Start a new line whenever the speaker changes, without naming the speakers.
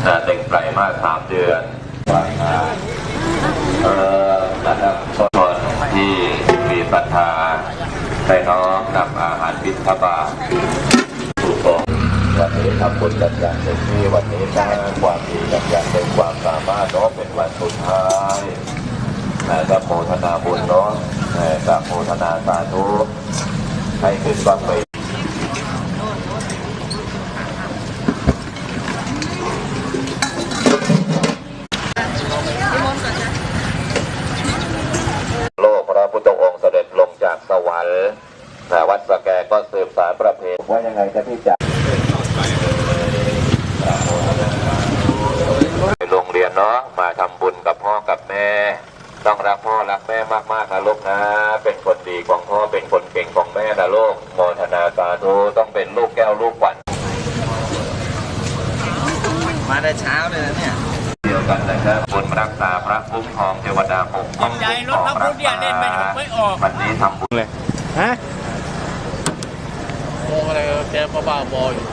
เด็กไตรมาส3 เดือนนะครับคนที่มีศรัทธาได้น้อมนำอาหารบิณฑบาตสู่ตรงวันนี้ทำบุญกันอย่างเต็มที่วันนี้สร้างความดีกันอย่างเต็มความสามารถเนาะเป็นวันสุดท้ายก็โมทนาบุญเนาะก็โมทนาสาธุให้ขึ้นบ้างไปโลกพระพุทธองค์เสด็จลงจากสวรรค์วัดสแกก็สืบสานประเพณีว่ายังไงจะพี่จ๋าไปโรงเรียนเนาะมาทำบุญกับพ่อกับแม่ต้องรักพ่อรักแม่มากๆนะลูกนะเป็นคนดีของพ่อเป็นคนเก่งของแม่นะลูกโมทนาสาธุต้องเป็นลูกแก้วลูกขวัญ
มาได้เช้าเลยนะเนี่ย
เดียวกันนะครับบุญรักษาพระคุ้มครองเทวดาปกป้องคุ้มครองรักษาวันนี้ทำบุญเลย
ฮะโมอะไรแกบ้าบออยู่